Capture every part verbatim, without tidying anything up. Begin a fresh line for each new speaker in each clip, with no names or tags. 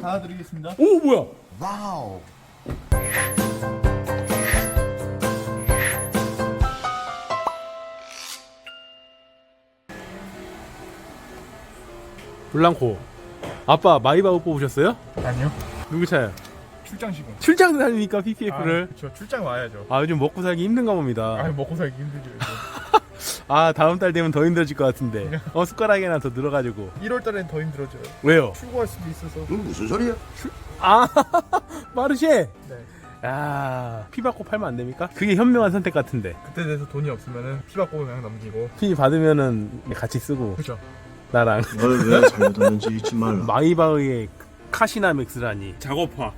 닫아드리겠습니다.
오 뭐야?
와우.
블랑코 아빠 마이바흐 뽑으셨어요?
아니요.
누구 차요?
출장식은.
출장 다니니까 피피에프를.
아, 저 출장 와야죠.
아 요즘 먹고 살기 힘든가 봅니다.
아, 먹고 살기 힘들죠.
아 다음 달 되면 더 힘들어질 것 같은데 어 숟가락이나 더 늘어가지고.
일월 달엔 더 힘들어져요.
왜요?
출고할 수도 있어서.
이건 무슨 소리야?
아 마르쉐.
네.
야, 피 받고 팔면 안 됩니까? 그게 현명한 선택 같은데.
그때 돼서 돈이 없으면은 피 받고 그냥 넘기고.
피 받으면은 같이 쓰고
그죠.
나랑
널 왜 잘못했는지 잊지 말라.
마이바흐의 카시나 맥스라니 작업화.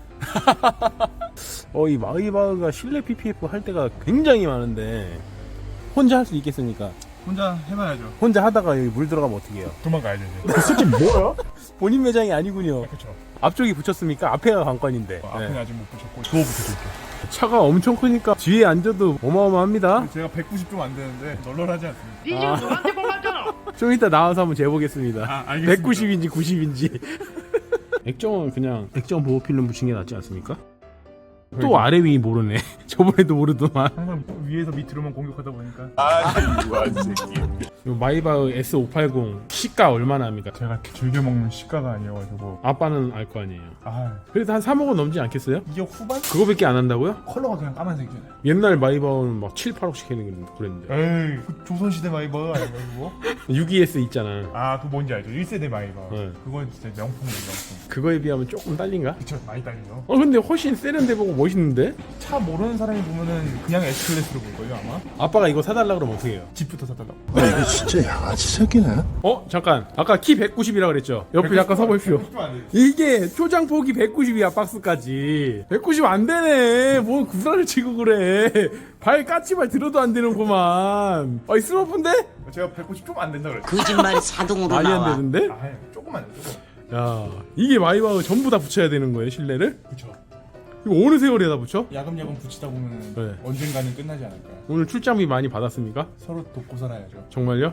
어, 이 마이바흐가 실내 피피에프 할 때가 굉장히 많은데 혼자 할 수 있겠습니까?
혼자 해봐야죠.
혼자 하다가 여기 물 들어가면 어떻게 해요?
도망가야죠 이제.
그 새끼 뭐야? 본인 매장이 아니군요.
그렇죠.
앞쪽이 붙였습니까? 앞에가 관건인데.
어, 앞에는
네.
아직 못 붙였고 주워 붙여줄게요.
차가 엄청 크니까 뒤에 앉아도 어마어마합니다.
제가 백구십 좀 안 되는데 널널하지 않습니다.
니 지금 노란색 골랐잖아.
좀 이따 나와서 한번 재보겠습니다.
아, 알겠습니다.
백구십인지 구십인지. 액정은 그냥 액정 보호 필름 붙인 게 낫지 않습니까? 또 아래 위 모르네. 저번에도 모르더만.
항상 위에서 밑으로만 공격하다 보니까.
요 마이바흐 에스 오백팔십 시가 얼마나 합니까?
제가 즐겨 먹는 시가가 아니어가지고.
아빠는 알 거 아니에요.
아,
그래도 한 삼억은 넘지 않겠어요?
이게 후반?
그거밖에 안 한다고요?
컬러가 그냥 까만색이잖아요.
옛날 마이바흐는 막 칠, 팔억씩 했는 그랬는데.
에이, 그 조선시대 마이버 아닌가 그거?
육 이에스 있잖아.
아, 그거 뭔지 알죠? 일 세대 마이버.
네.
그건 진짜 명품이죠, 명품.
그거에 비하면 조금 딸린가?
그쵸, 많이 딸리죠.
어 근데 훨씬 세련돼 보고 멋있는데?
차 모르는 사람이 보면은 그냥 S클래스로 볼걸요, 아마?
아빠가 이거 사달라 그러면 어떻게 해요?
집부터 사달라고.
야, 이거 진짜 양아치 새끼네.
어? 잠깐 아까 키 백구십이라 그랬죠? 옆에 잠깐 서보십시오. 이게 초장폭이 백구십이야 박스까지. 백구십 안 되네. 뭐 구라를 치고 그래. 발 까치발 들어도 안 되는구만. 아이 스머프인데?
제가 백구십 좀 안 된다 그랬죠.
거짓말이 자동으로
많이
나와.
안 되는데?
아, 조금만 돼, 조금.
야 이게 마이바흐 전부 다 붙여야 되는 거예요 실내를?
그쵸.
이거 어느 세월에 다 붙여?
야금야금 붙이다 보면은
네.
언젠가는 끝나지 않을까요?
오늘 출장비 많이 받았습니까?
서로 돕고 살아야죠.
정말요?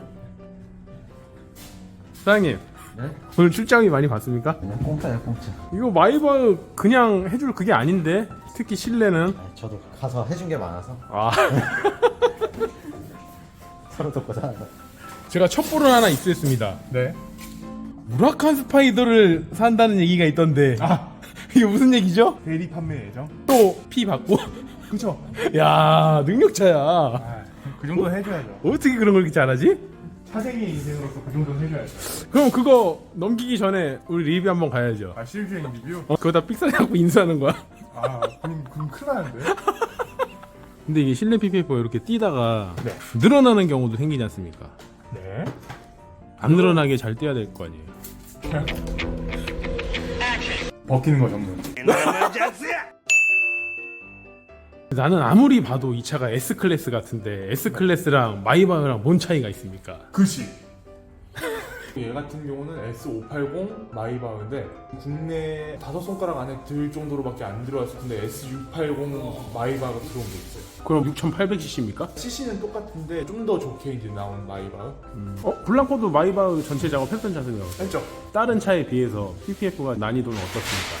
사장님
네?
오늘 출장비 많이 받습니까?
그냥 공짜야 공짜.
이거 마이바흐 그냥 해줄 그게 아닌데 특히 실내는
아, 저도 가서 해준 게 많아서
아
서로 돕고 살아서.
제가 첩보를 하나 입수했습니다.
네.
무라칸 스파이더를 산다는 얘기가 있던데
아,
이게 무슨 얘기죠?
대리 판매 예정?
또 피 받고
그쵸.
야 능력차야.
아, 그 정도 해줘야죠.
어떻게 그런 걸 이렇게 잘하지?
사생의 인생으로서 그 정도 해줘야죠.
그럼 그거 넘기기 전에 우리 리뷰 한번 가야죠.
아, 실주행 리뷰?
어, 그거 다 삑사리하고 인수하는 거야?
아, 그럼, 그럼 큰일 나는데?
근데 이게 실내 피피에프가 이렇게 뛰다가
네.
늘어나는 경우도 생기지 않습니까?
네.
안 늘어나게 잘 뛰어야 될 거 아니에요.
버티는 거 전문.
나는 아무리 봐도 이 차가 S클래스 같은데 S클래스랑 마이바흐랑 뭔 차이가 있습니까?
그치. 얘 같은 경우는 에스 오백팔십 마이바흐인데 국내 다섯 손가락 안에 들 정도로밖에 안 들어왔을 텐데 에스 육백팔십 마이바흐가 들어온 게 있어요.
그럼 육천팔백 씨씨입니까?
씨씨는 똑같은데 좀 더 좋게 이제 나온 마이바흐.
어? 블랑코도 마이바흐 전체 작업 했던 차세요.
했죠?
다른 차에 비해서 피피에프가 난이도는 어떻습니까?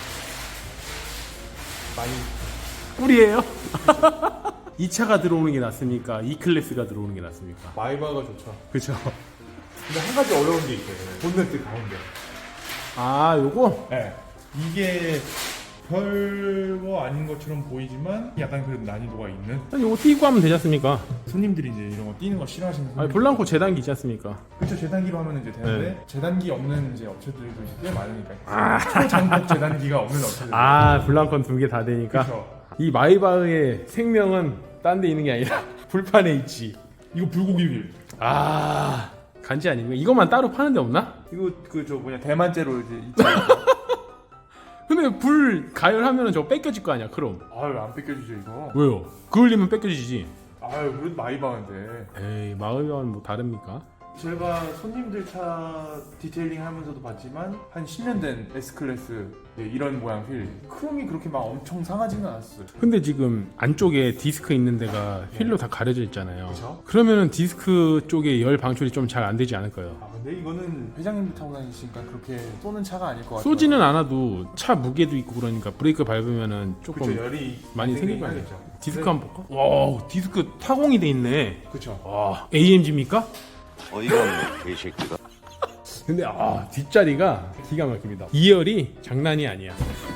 많이.
꿀이에요? 이 차가 들어오는 게 낫습니까? E 클래스가 들어오는 게 낫습니까?
마이바흐가 좋죠.
그쵸?
근데 한 가지 어려운 게 있어요. 본네트 가운데.
아 요거?
네. 이게 별거 아닌 것처럼 보이지만 약간 그래도 난이도가 있는.
요거 띄고 하면 되지 않습니까?
손님들이 이제 이런 거 띄는 거 싫어하시는
아니
손님.
블랑코 재단기 있지 않습니까?
그렇죠. 재단기로 하면 이제 되는데
네.
재단기 없는 이제 업체들도 꽤 많으니까. 초장급 재단기가 없는 업체들.
아 블랑코는 두 개 다 되니까.
그렇죠.
이 마이바흐의 생명은 딴 데 있는 게 아니라 불판에 있지.
이거 불고기 휠.
아 간지 아닙니까? 이것만 따로 파는 데 없나?
이거 그 저 뭐냐 대만제로 이제 있잖아요.
근데 불 가열하면 저거 뺏겨질 거 아니야 그럼.
아유 안 뺏겨지죠 이거.
왜요? 그을리면 뺏겨지지.
아유 그래도 마이바흐인데.
에이 마이바흐는 뭐 다릅니까?
제가 손님들 차 디테일링 하면서도 봤지만 한 십 년 된 S클래스 네, 이런 모양 휠 크롬이 그렇게 막 엄청 상하지는 않았어요.
근데 지금 안쪽에 디스크 있는 데가 휠로 다 가려져 있잖아요.
그쵸?
그러면은 디스크 쪽에 열 방출이 좀 잘 안 되지 않을까요?
아 근데 이거는 회장님도 타고 다니시니까 그렇게 쏘는 차가 아닐 것 같아요.
쏘지는 않아도 차 무게도 있고 그러니까 브레이크 밟으면은 조금
그쵸, 열이
많이 생길 거
생기긴
아니에요.
하겠죠.
디스크 한번 볼까? 와, 디스크 타공이 돼 있네.
그쵸.
와, 에이엠지입니까?
어이가 없네, 이 새끼가.
근데 아, 뒷자리가 기가 막힙니다. 이 열이 장난이 아니야.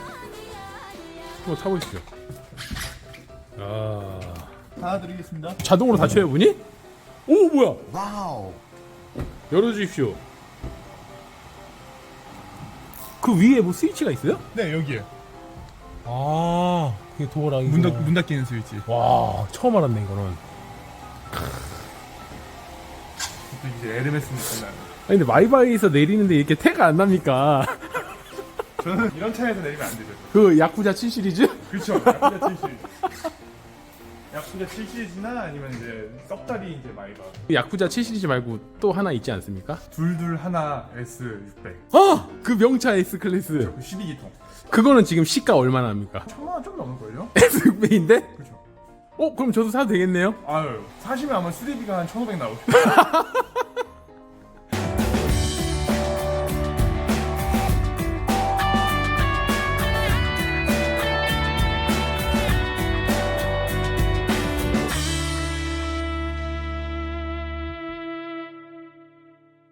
한번 타보시죠. 아,
하나 드리겠습니다.
자동으로 닫혀요, 문이? 오, 뭐야? 열어주십시오. 그 위에 뭐 스위치가 있어요?
네 여기에
아, 그게 도어랑
문, 닫, 문 닫히는 스위치.
와, 처음 알았네 이거는.
또 이제 에르메스 느낌 나요.
아니 근데 마이바이에서 내리는데 이렇게 태가 안 납니까?
저는 이런 차에서 내리면 안 되죠.
그 야쿠자 칠 시리즈?
그렇죠. 야쿠자 칠 시리즈. 야쿠자 칠 시리즈나 아니면 이제 썩다리 이제 마이바.
야쿠자 칠 시리즈 말고 또 하나 있지 않습니까?
둘둘 하나 에스 육백.
아! 그 명차 S 클래스.
그 십이 기통.
그거는 지금 시가 얼마나 합니까?
천만 원 좀 넘을걸요?
에스 육백인데?
그렇죠.
어? 그럼 저도 사도 되겠네요?
아유 사시면 아마 수리비가 한 천오백 나오죠.